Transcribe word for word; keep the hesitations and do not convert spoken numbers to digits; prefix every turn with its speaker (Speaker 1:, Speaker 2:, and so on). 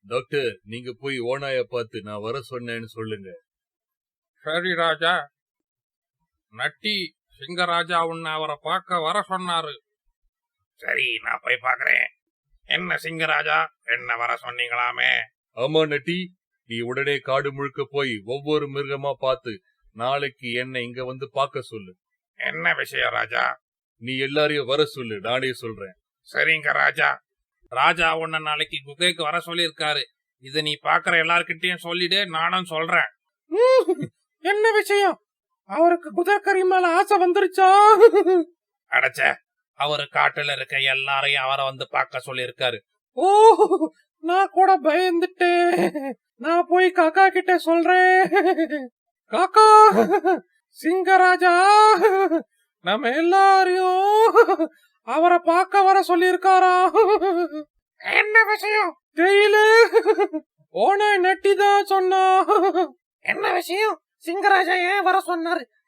Speaker 1: Doctor, நீங்க போய் ஓநாய பார்த்து நான் வர சொன்னேன்னு சொல்லுங்க.
Speaker 2: சரி ராஜா. நட்டி சிங்கராஜா உன்னை அவரை பார்க்க வர சொன்னாரு.
Speaker 3: சரி, நான் போய் பாக்குறேன். என்ன சிங்கராஜா, என்ன வர சொன்னீங்களாமே?
Speaker 1: ஆமா நட்டி, நீ உடனே காடு முழுக்க போய் ஒவ்வொரு மிருகமா பார்த்து நாளைக்கு என்ன இங்க வந்து பார்க்க சொல்லு.
Speaker 3: என்ன விஷயம் ராஜா?
Speaker 1: நீ எல்லாரையும் வர சொல்லு, நானே சொல்றேன்.
Speaker 3: சரிங்க ராஜா.
Speaker 2: ராஜா உன்னை நாளைக்கு குகைக்கு வர சொல்லியிருக்காரு. இத நீ பாக்குற எல்லார்கிட்டயும் சொல்லிடு, நானும் சொல்றேன்.
Speaker 4: என்ன விஷயம்? அவருக்கு குதிரைக்கறி மேல ஆசை வந்துருச்சா?
Speaker 3: அடைச்ச,
Speaker 2: அவரு காட்டுல இருக்க எல்லாரையும் அவரை வந்து பார்க்க சொல்லியிருக்காரு.
Speaker 4: ஓ, நான் கூட பயந்துட்டேன். நான் போய் காக்கா கிட்ட சொல்றேன். காக்கா, சிங்கராஜா நம்ம எல்லாரையும் அவரை பார்க்க வர சொல்லியிருக்காரா?
Speaker 3: என்ன விஷயம்?
Speaker 4: தெரியல, ஓனாய் நட்டி தான் சொன்னா.
Speaker 3: என்ன விஷயம்? சிங்கராஜா ஏன் வர சொன்னாரு?